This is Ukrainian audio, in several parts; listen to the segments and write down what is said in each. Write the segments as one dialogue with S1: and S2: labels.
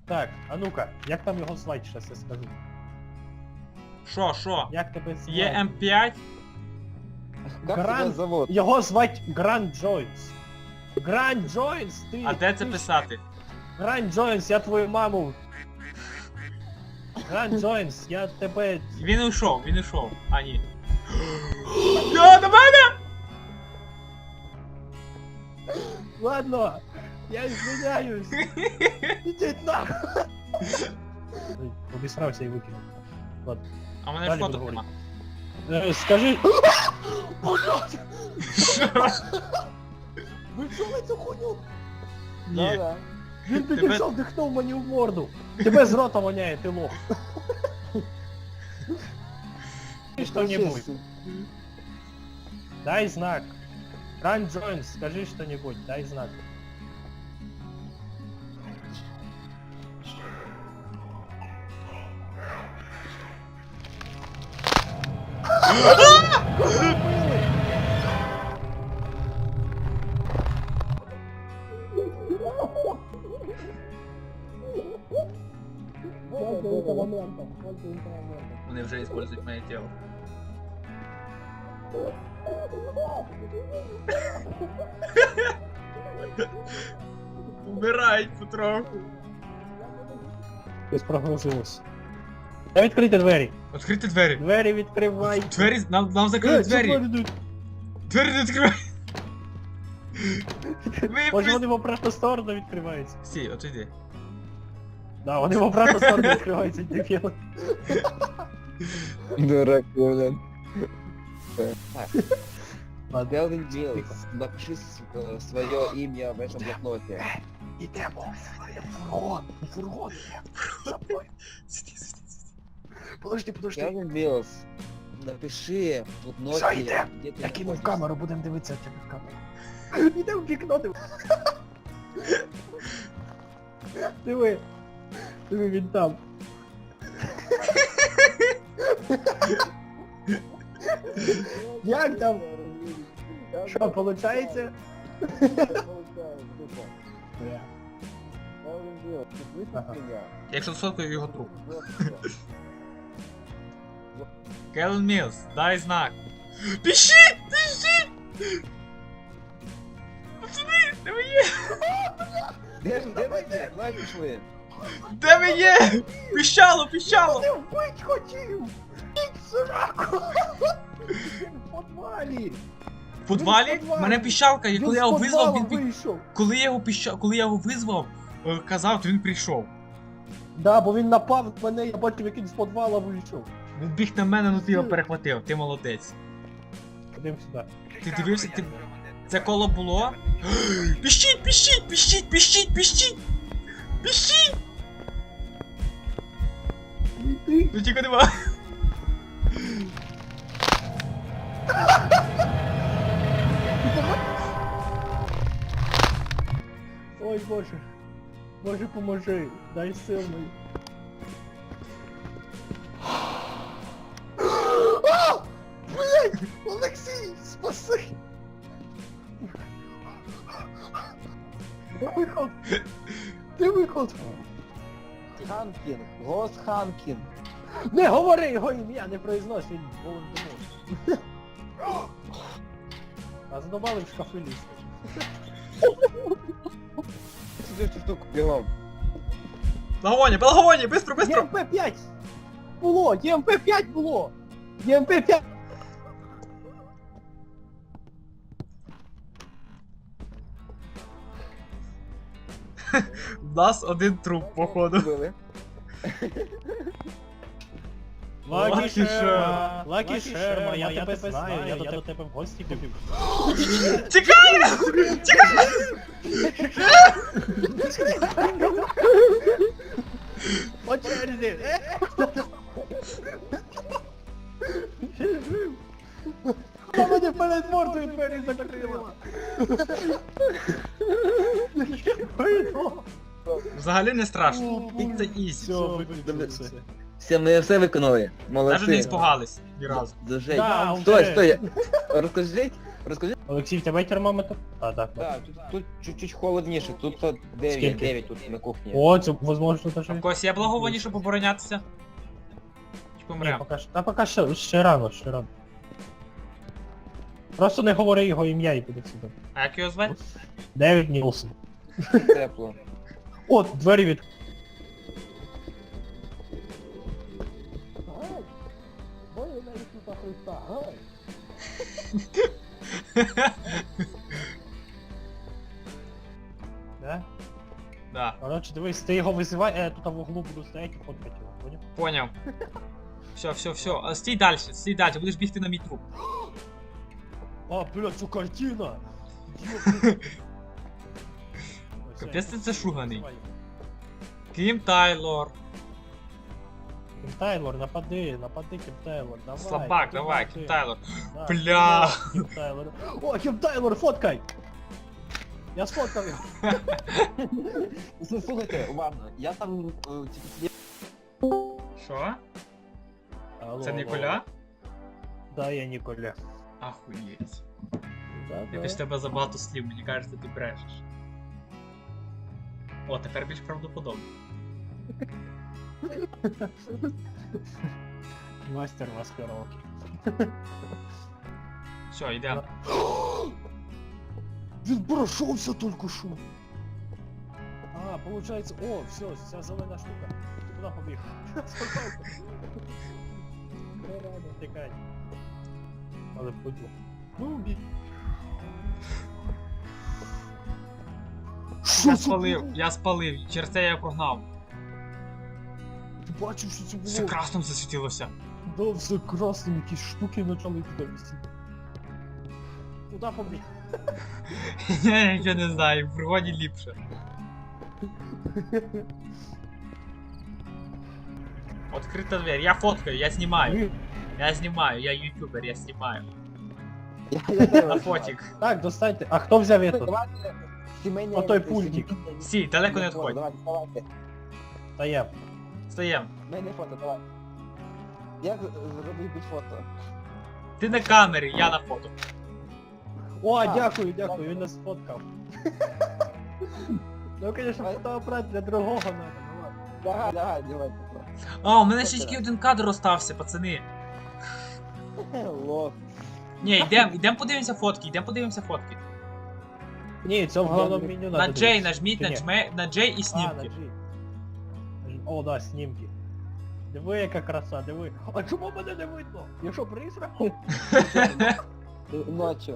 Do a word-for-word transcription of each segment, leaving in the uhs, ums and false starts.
S1: Так, а ну-ка, як там його звать, щас я скажу.
S2: Шо, шо?
S1: Як тебе звать?
S2: Є М п'ять?
S3: Как тебя
S1: Гранд...
S3: зовут?
S1: Його звать Гранд Джойнс. Гранд Джойнс, ти...
S2: А де це
S1: ти-
S2: писати?
S1: Гранд Джойнс, я твою маму. Гранд Джойнс, я тебе...
S2: Він ушов, він ушов. А, ні. Я до мене!
S1: Ладно, я извиняюсь. Ідіть нахуй. Ой, обісрався і викинув. Ладно.
S2: А в мене
S1: Далі
S2: фото
S1: буду
S2: нема.
S1: Е, Скажи...
S2: Що?
S1: Ви чули цю хуйню?
S2: Ні.
S3: Да-да.
S1: Він
S2: Тебе-
S1: підійшов, дихнув мені в морду. Тебе з рота воняє, ти лох. Что-нибудь. Дай знак. Гранд Джойнс, скажи что-нибудь, дай знак.
S2: Вони вже використовують моє тіло. Вмирають потроху.
S1: Ти спрогнозилось. Та відкрити двері.
S2: Відкрити двері.
S1: Двері відкривай.
S2: Двері, нам, нам закрили двері. Двері не відкривай. Ви
S1: Може
S2: пис-
S1: вони в обратну сторону відкриваються.
S2: Стій, от іди.
S1: Да, вони в обратну сторону відкриваються, дебіли.
S3: Дурак, блин.
S1: Ладно.
S3: Делвин Милс, напиши свое имя в этом блокноте.
S1: Ідемо. Фургон, фургон. За мною.
S2: Сиди, сиди, сиди.
S1: Подожди, подожди.
S3: Делвин Милс, напиши в блокноте,
S1: Зайдем.
S3: где ты
S1: Я кинув
S3: находишься.
S1: камеру, будемо дивитися тебе в камеру. Іде в вікно, диви. Диви. Диви, він там. Як там? Що, получається? Ага.
S2: Якщо сфоткаю його труп. Келлен Мілс, дай знак. Пишіть! Пишіть! Пацани, де ви є?
S3: Де, де ви є? Давай пішли.
S2: Де ви є? Піщало, піщало!
S1: Ти вбить хотів! Ідь сраку! Він в підвалі!
S2: В підвалі?
S1: Він в підвалі.
S2: Мене піщалка, і коли я його
S1: з
S2: визвав,
S1: підвала
S2: він пі...
S1: вийшов.
S2: Коли я його піща... Коли я його визвав, е, казав, то він прийшов.
S1: Да, бо він напав на мене, я бачив, як він з підвала вийшов.
S2: Він біг на мене, ну ти його перехватив, ти молодець.
S1: Ходим сюди.
S2: Ти дивився, ти... Це коло було? Піщіть, піщіть, піщіть, піщіть, піщіть! Піщіть!
S1: Ти.
S2: Ну тільки нема.
S1: Ой, Боже. Боже, поможи. Дай сил мені. А! Блядь! Олексій, спаси! Де виход? Де виход?
S3: Ханкін, Гос Ханкін.
S1: Не говори його ім'я, не произнось, він Волан-де-Морт. А задобали в шкафи лізти.
S3: Сюди цю штуку бігом.
S2: Благовоння, благовоння, быстро, быстро!
S1: Є Ем Пе п'ять! Було! Є Ем Пе п'ять було! Є Ем Пе п'ять!
S2: У нас один труп, походу.
S3: Били.
S2: Лакі Шерма,
S1: Лакі Шерма, я тебе знаю, я до тебе в гості ходив.
S2: Тікай!
S1: По черзі! Вона мені перед мордою двері закрила!
S2: Взагалі не страшно. Це ізі.
S1: Все, виключився.
S3: Все, ми все виконали. Молодці.
S2: Навіть не спугались ні разу.
S3: Дуже.
S1: Да,
S3: Стой,
S1: вже.
S3: стой. Розкажіть, Розкажи.
S1: Олексій, в тебе термометр? А, так.
S3: Так, тут, тут чуть-чуть холодніше, тут дев'ять,
S1: Скільки?
S3: дев'ять тут на кухні.
S1: О, це, возможно, тут
S2: А в
S1: ще...
S2: когось є благовоні, щоб оборонятися? Чи
S1: Ні,
S2: помрем?
S1: поки що, та поки що, ще рано, ще рано. Просто не говори його ім'я і буде сюди.
S2: А як його звати?
S1: Девід Нілсон.
S3: Тепло.
S1: О, двері від... Да?
S2: Да,
S1: Короче, дивись, ти його визивай, а я тут в углу буду стояти і фоткати його, поняв?
S2: поняв. Все, все, все. А, стій далі, стій далі, будеш бігти на мій труп.
S1: А, блядь, це картина!
S2: Капець ти це шуганий. Кім Тайлор.
S1: Кім Тайлор, напади, напади, Кім Тайлор, давай.
S2: Слабак, давай,
S1: напади.
S2: Кім Тайлор.
S1: Да,
S2: Бля.
S1: Кім Тайлор. О, Кім Тайлор, фоткай! Я сфоткав його.
S3: Ну, слухайте, уважно, я там е, тільки сидів.
S2: Що?
S1: Алло,
S2: Це
S1: алло.
S2: Ніколя?
S1: Да, я Ніколя.
S2: Ахуєть.
S1: Да,
S2: Якось в тебе забагато слів, мені кажеться, ти брешеш. О, тепер більш правдоподобно.
S1: Мастер маскировки.
S2: Все, йдемо.
S1: Він прошовся тільки що. А, получается, о, все, вся зелена штука. Ти куди побіг? Не рано, тікай. Але пойду. Ну, бій.
S2: Я спалив, я спалив, через це я його прогнав.
S1: Ти бачив, що це було?
S2: Все красним засвітилося.
S1: Да, все красним, якісь штуки почали туди висіти. Куди побіг?
S2: Я нічого не знаю, в пригоді ліпше. Открита дверь, я фоткаю, я знімаю. Я знімаю, я ютубер, я знімаю.
S3: Я, я теж
S2: На фотик.
S1: Так, достаньте. А хто взяв этот?
S3: Давайте сімейні...
S1: Отой пультик.
S2: Сі, далеко не
S3: фото,
S2: відходь.
S3: Давайте, давайте.
S1: Та я.
S2: Встаєм.
S3: Сімейне фото, давай. Як зробити під фото?
S2: Ти на камері, я на фото.
S1: О,
S3: А,
S1: дякую, дякую, він нас сфоткав. Ну, конечно,
S3: Давай.
S1: фотоапарат для другого надо, ну ладно.
S3: Давай, давай, давай.
S2: А, у мене ще тільки один кадр остався, пацани.
S3: Лох.
S2: Ні, йдем, йдем подивимося фотки, йдем подивимося фотки.
S1: Ні, це в головному меню надо.
S2: На Джей
S1: дивитися.
S2: нажміть,
S1: Чи ні?
S2: нажме, на Джей і
S1: А, на
S2: снімки.
S1: G. О, да, снімки. Диви, яка краса, диви. А чому мене не видно? Я що, призрак?
S3: Ночі.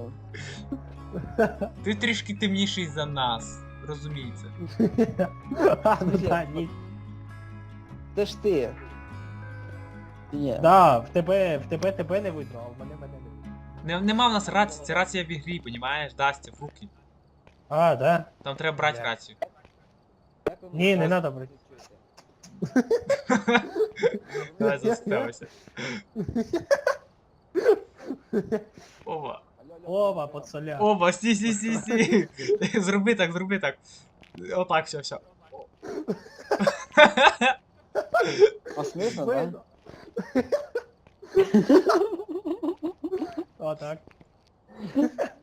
S2: Ти трішки темніший за нас, розуміється.
S1: А, ну да, ні.
S3: Це ж ти. Чи ні?
S1: Да, в тебе, в тебе тебе не видно, а в мене мене не видно.
S2: Не, нема в нас рації, це рація в ігрі, понімаєш, Дастя, в руки.
S1: А, да?
S2: Там треба брати
S1: Бля.
S2: рацію.
S3: Як ви
S1: Ні, не
S3: мене
S1: надо брати.
S2: Давай заставися. Оба.
S1: Оба, пацаля.
S2: Оба, сі, сі, сі, сі. Зроби так, зроби так. Отак, все, все.
S3: А смішно, так?
S1: Видно. О, так.